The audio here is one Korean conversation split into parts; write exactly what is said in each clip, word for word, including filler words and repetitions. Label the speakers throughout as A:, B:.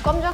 A: 껌져.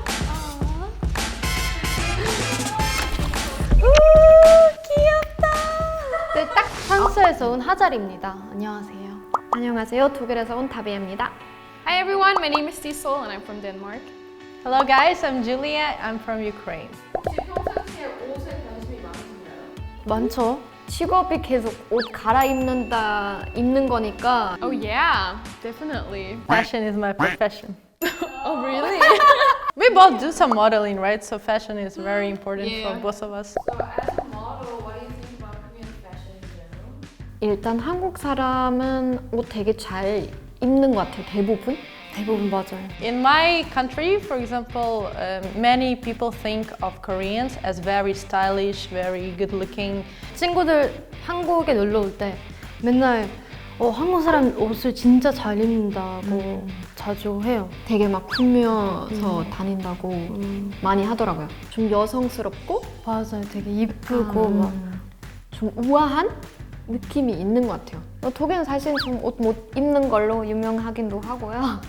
A: 네, 딱 프랑스에서 온 하잘입니다. 안녕하세요. 안녕하세요. 독일에서 온 다비입니다.
B: Hi everyone, my name is Tisol and I'm from Denmark.
C: Hello guys, I'm Julia. I'm from Ukraine.
B: 혹시 평상시에 옷에 관심이 많으신가요?
A: 많죠? 직업이 계속 옷 갈아입는다, 입는 거니까.
B: Oh yeah, definitely.
C: Fashion is my profession.
B: Oh really?
C: We both do some modeling, right? So fashion is very important
B: Yeah.
C: for both of us.
B: So as a model, what do you think about Korean fashion in general?
A: 일단 한국 사람은 옷 되게 잘 입는 것 같아요. 대부분? 대부분 맞아요.
C: In my country, for example, um, many people think of Koreans as very stylish, very good-looking.
A: 친구들 한국에 놀러 올 때 맨날 어, 한국 사람 옷을 진짜 잘 입는다고 자주 해요. 되게 막 꾸며서 다닌다고 많이 하더라고요. 좀 여성스럽고 맞아요. 되게 이쁘고 막 좀 우아한 느낌이 있는 것 같아요. 어, 독일은 사실 좀 옷 못 입는 걸로 유명하기도 하고요.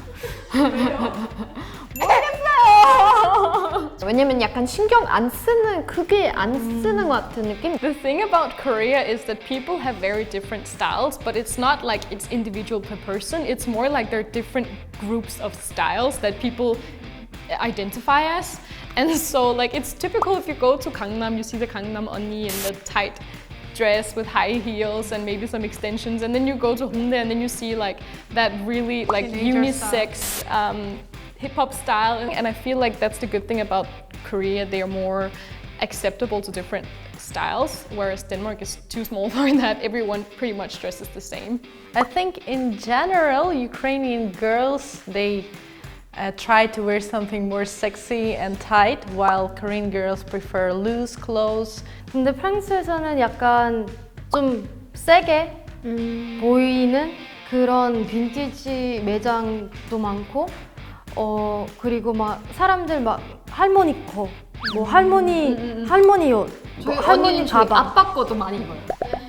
A: 모르겠어요. 왜냐면 약간 신경 안 쓰는 그게 안 쓰는 것 같은 느낌?
B: The thing about Korea is that people have very different styles, but it's not like it's individual per person. It's more like there are different groups of styles that people identify as. And so like it's typical if you go to Gangnam, you see the Gangnam 언니 in the tight dress with high heels and maybe some extensions, and then you go to Hongdae and then you see like that really like unisex um, hip hop style, and I feel like that's the good thing about Korea. They are more acceptable to different styles, whereas Denmark is too small for that. Everyone pretty much dresses the same.
C: I think in general, Ukrainian girls, they uh, try to wear something more sexy and tight, while Korean girls prefer loose clothes.
A: 근데 프랑스에서는 약간 좀 세게 보이는 그런 빈티지 매장도 많고 어 그리고 막 사람들 막 할머니 거, 뭐 할머니 할머니 옷, 뭐 할머니 가방.
B: 아빠 거도 많이 입어요.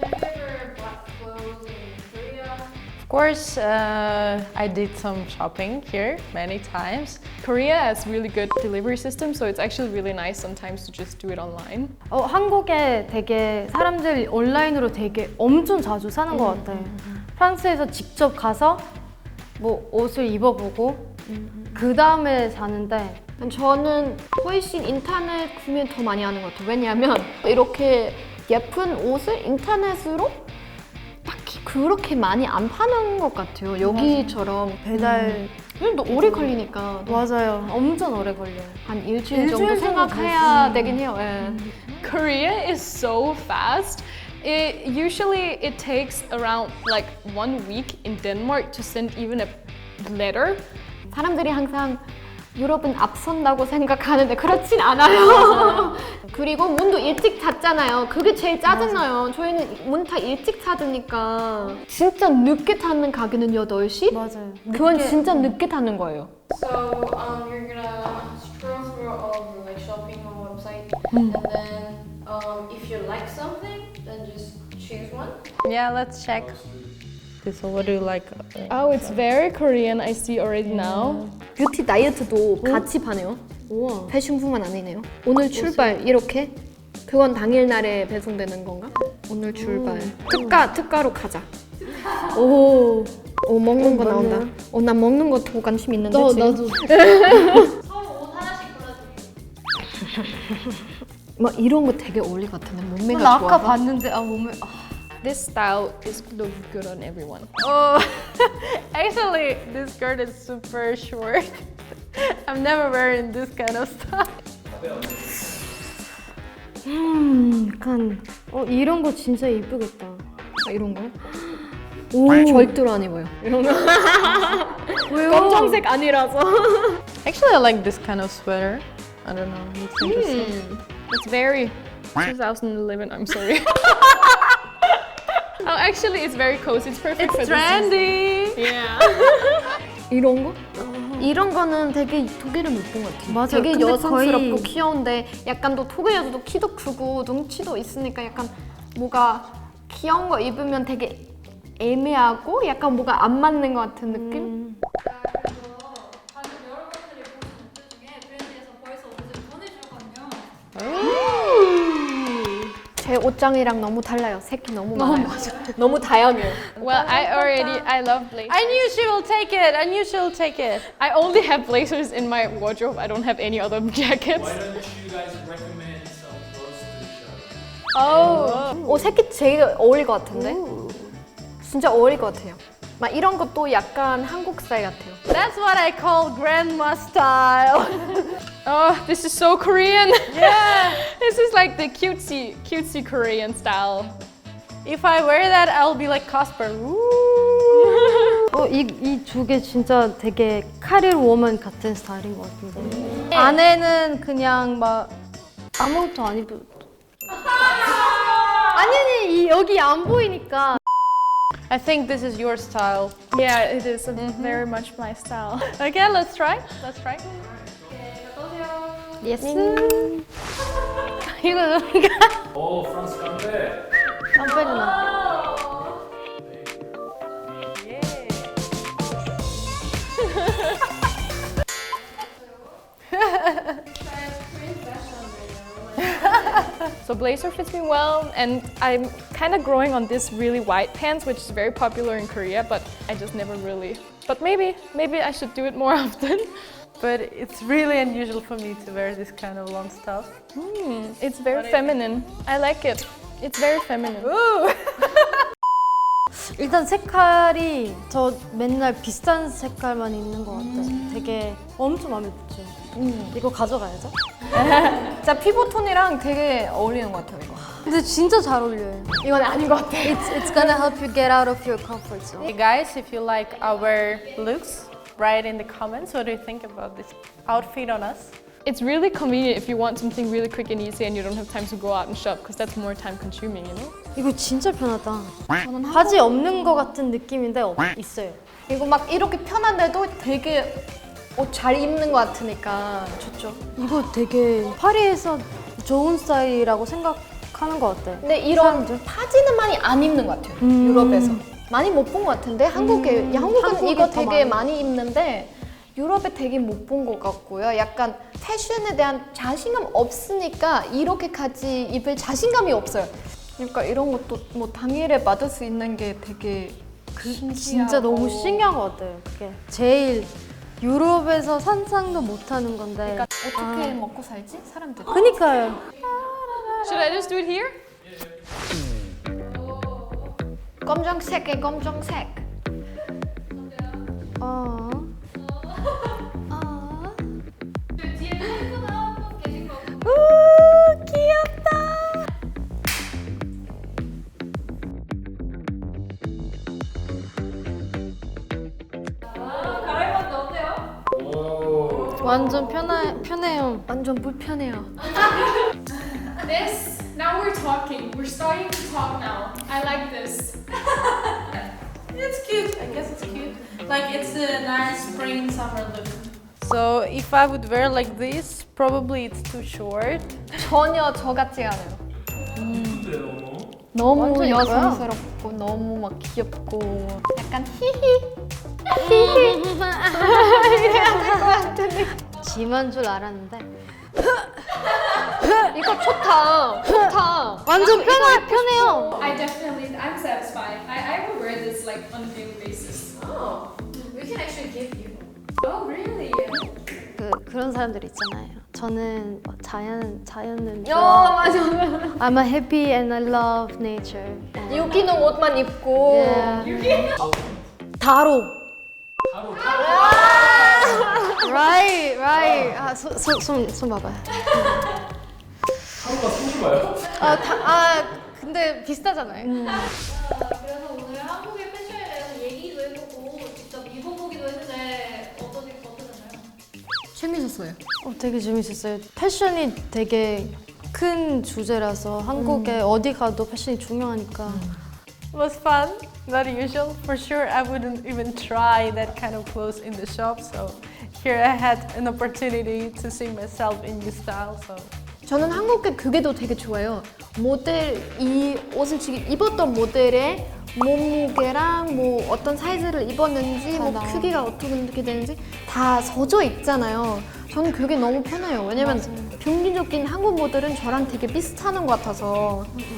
C: Of course, uh, I did some shopping here many times.
B: Korea has really good delivery system, so it's actually really nice sometimes to just do it online.
A: 어 한국에 되게 사람들이 온라인으로 되게 엄청 자주 사는 것 같아. 프랑스에서 직접 가서 뭐 옷을 입어보고 그 다음에 사는데 저는 훨씬 인터넷 구매 더 많이 하는 것 같아요. 왜냐하면 이렇게 예쁜 옷을 인터넷으로 딱히 그렇게 많이 안 파는 것 같아요. 여기처럼 배달 또 오래 걸리니까. 맞아요. 엄청 오래 걸려요. 한 일주일,
C: 일주일
A: 정도
C: 정도
A: 생각해야 되긴 해요. 예.
B: Korea is so fast. It usually it takes around like one week in Denmark to send even a letter.
A: 사람들이 항상 유럽은 앞선다고 생각하는데 그렇진 않아요. 그리고 문도 일찍 닫잖아요. 그게 제일 짜증나요. 저희는 문 다 일찍 닫으니까 진짜 늦게 닫는 가게는 여덟 시?
C: 맞아요.
A: 그건 진짜 늦게 닫는 거예요.
D: So um, you're gonna scroll through all of the like shopping on website, and then um, if you like something, then just choose one.
C: Yeah, let's check. So what do you like?
B: Oh, it's very Korean. I see already now.
A: 뷰티 다이어트도 같이 파네요. 우와. 패션뿐만 아니네요. 오늘 출발 이렇게? 그건 당일날에 배송되는 건가? 오늘 출발. 특가, 특가로 가자. 오, 오 먹는 거 나온다. 어, 난 먹는 거 더 관심 있는데 지금.
D: 서로 옷 하나씩 골라줄게.
A: 막 이런 거 되게 어울릴 것 같은데 몸매가
C: 나
A: 좋아서.
C: 아까 봤는데 아 몸에 아.
B: This style is look good on everyone.
C: Oh, actually, this skirt is super short. I'm never wearing this kind of stuff.
A: 음, 약간 어 이런 거 진짜 이쁘겠다. 아, 이런 거? 오, 절대로 안 입어요. 이런 거. 왜요? 검정색 아니라서.
C: Actually, I like this kind of sweater. I don't know. It's interesting.
B: It's very twenty eleven. I'm sorry. Oh, actually, it's very cozy. It's perfect for
C: It's trendy.
B: this. Yeah.
A: 이런 거? 이런 거는 되게 독일은 못 본 것 같아요.
C: 맞아요.
A: 되게
C: 근데
A: 여성스럽고
C: 거의-
A: 귀여운데 약간 또 독일 여자도 키도 크고 눈치도 있으니까 약간 뭐가 귀여운 거 입으면 되게 애매하고 약간 뭐가 안 맞는 것 같은 느낌?
D: 자, 그래서 방금 여러분들이 보신 옷들 중에 옷장이랑 너무 달라요. 색이 너무 많아요. 너무 다양해요.
B: Well, I already I love blazers.
C: I knew she will take it. I knew she'll take it.
B: I only have blazers in my wardrobe. I don't have any other jackets.
E: Why don't you guys recommend some clothes to show?
D: 오, 오 색이 제일 어울릴 것 같은데? 진짜 어울릴 것 같아요. 막 이런 것도 약간 한국 스타일 같아요.
C: That's what I call grandma style.
B: Oh, this is so Korean.
C: Yeah.
B: This is like the cutesy, cutesy Korean style.
C: If I wear that, I'll be like Casper.
A: 어, 이 이 두 개 진짜 되게 카릴 워먼 같은 스타일인 것 같은데. 안에는 그냥 막 아무것도 안 입어. 아니 아니 이 여기 안 보이니까.
C: I think this is your style.
B: Yeah, it is very much my style.
C: Okay, let's try. Let's try.
A: 예스. 이거 이거
E: 오, 프랑스 깜배.
A: 깜빡이나.
B: So blazer fits me well, and I'm kind of growing on this really wide pants, which is very popular in Korea, but I just never really. But maybe, maybe I should do it more often.
C: But it's really unusual for me to wear this kind of long stuff.
B: Hmm, it's very feminine. I like it. It's very feminine.
A: 일단 색깔이 저 맨날 비슷한 색깔만 입는 것 같아요. 되게 엄청 마음에 들죠. 이거 가져가야죠.
D: 진짜 피부톤이랑 되게 어울리는 것 같아요, 이거.
A: 근데 진짜 잘 어울려요.
D: 이건 아닌 것 같아.
A: It's it's gonna help you get out of your comfort zone.
C: Hey guys, if you like our looks, write in the comments what do you think about this outfit on us.
B: It's really convenient if you want something really quick and easy and you don't have time to go out and shop, because that's more time consuming, you know?
A: 이거 진짜 편하다. 바지 없는 것 같은 느낌인데 없, 있어요.
D: 이거 막 이렇게 편한데도 되게 옷 잘 입는 것 같으니까 좋죠.
A: 이거 되게 파리에서 좋은 스타일이라고 생각하는 것 같아.
D: 근데 이런 바지는 많이 안 입는 것 같아요, 유럽에서. 많이 못 본 것 같은데 한국에, 야, 한국은
A: 한국에
D: 이거
A: 더
D: 되게
A: 많이.
D: 많이 입는데 유럽에 되게 못 본 것 같고요. 약간 패션에 대한 자신감 없으니까 이렇게까지 입을 자신감이 없어요. 그러니까 이런 것도 뭐 당일에 받을 수 있는 게 되게
A: 그, 진짜 너무 신기한 것 같아요. 그게 제일 유럽에서 상상도 못하는 건데.
D: 그러니까 어떻게 먹고 살지? 사람들.
A: 그니까요.
B: Should I just do it here?
D: 검정색에 검정색.
A: 어.
D: 우 귀엽다.
E: 오.
A: 완전 편해, 편해요.
D: 완전 불편해요.
B: This, now we're talking. We're starting to talk now. I like this.
C: It's cute. I guess it's cute. Like it's a nice spring summer look. So if I would wear like this, probably it's too short.
D: 전혀 저 같지 않아요.
E: 근데 너무.
D: 너무
A: 완전 이거야.
D: 여성스럽고 너무 막 귀엽고 약간 히히
A: 짐한 줄 알았는데.
D: 이거 좋다 좋다.
A: 완전 편해, 편해요.
B: I definitely, I'm satisfied. I, I will wear this like on a daily basis.
D: Oh, we can actually give you.
B: Oh, really?
A: 그, 그런 사람들 있잖아요. 저는 뭐 자연, 자연은
D: 어
A: 좋아.
D: 맞아.
A: I'm a happy and I love nature. And
D: 유기농 옷만 입고.
A: yeah. 다로.
E: 하루
A: Right, right. 아, 손, 손, 손, 손 봐봐요.
E: 하루가 소주가요?
D: 아, 다, 아 근데 비슷하잖아요.
F: 그래서 오늘 한국의 패션에 대해서 얘기도 해보고 직접 입어보기도 했는데 어떠시, 어떠셨나요?
D: 재밌었어요.
A: 어, 되게 재밌었어요. 패션이 되게 큰 주제라서 한국에 어디 가도 패션이 중요하니까.
C: It was fun, not usual. For sure, I wouldn't even try that kind of clothes in the shop. So here I had an opportunity to see myself in new style. So
D: 저는 한국의 그게도 되게 좋아요. 모델 이 옷을 지금 입었던 모델의 몸무게랑 뭐 어떤 사이즈를 입었는지 뭐
A: 맞아.
D: 크기가 어떻게 되는지 다 써져 있잖아요. 저는 그게 너무 편해요. 왜냐면 평균적인 한국 모델은 저랑 되게 비슷하는 것 같아서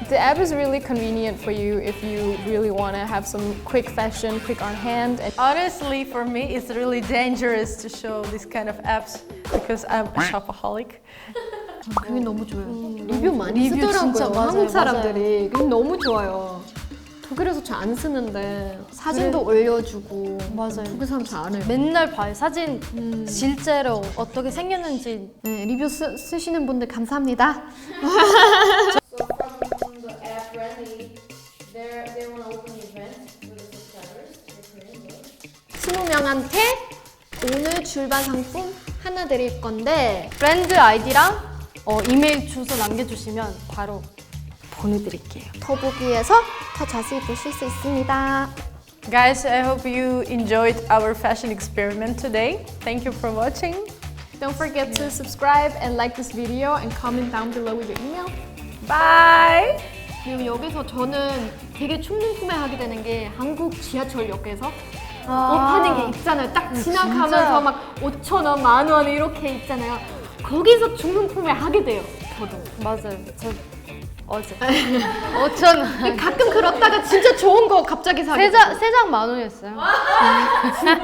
B: The app is really convenient for you if you really want to have some quick fashion, quick on hand. And
C: Honestly, for me, it's really dangerous to show this kind of apps because I'm a shopaholic.
D: 그게 너무 좋아요. 리뷰 많이
A: 리뷰
D: 쓰더라고요.
A: 진짜 맞아요,
D: 한국 사람들이. 그게 너무 좋아요. 독일에서 잘 안 쓰는데 사진도 올려주고
A: 맞아요.
D: 독일 사람 잘 안 해요.
A: 맨날 봐요. 사진 실제로 어떻게 생겼는지.
D: 네, 리뷰 쓰, 쓰시는 분들 감사합니다.
F: So from the app Rally, they they want to open the event for the subscribers. for Korean girls.
D: 스무 명한테 오늘 줄반 상품 하나 드릴 건데
A: 브랜드 아이디랑 어, 이메일 주소 남겨주시면 바로 보내드릴게요.
D: 더보기에서 더 자세히 보실 수 있습니다.
C: Guys, I hope you enjoyed our fashion experiment today. Thank you for watching.
B: don't forget to subscribe and like this video and comment down below with your email.
C: Bye!
D: 그리고 여기서 저는 되게 충동구매하게 되는 게 한국 지하철역에서 옷 파는 게 있잖아요. 딱 지나가면서
A: 진짜.
D: 막 오천 원, 만 원 이렇게 있잖아요. 거기서 충동구매 하게 돼요. 저도.
A: 맞아요. 저 어제 오천 원.
D: 가끔 그렇다가 진짜 좋은 거 갑자기 사게 돼요.
A: 세장 세장 만 원이었어요.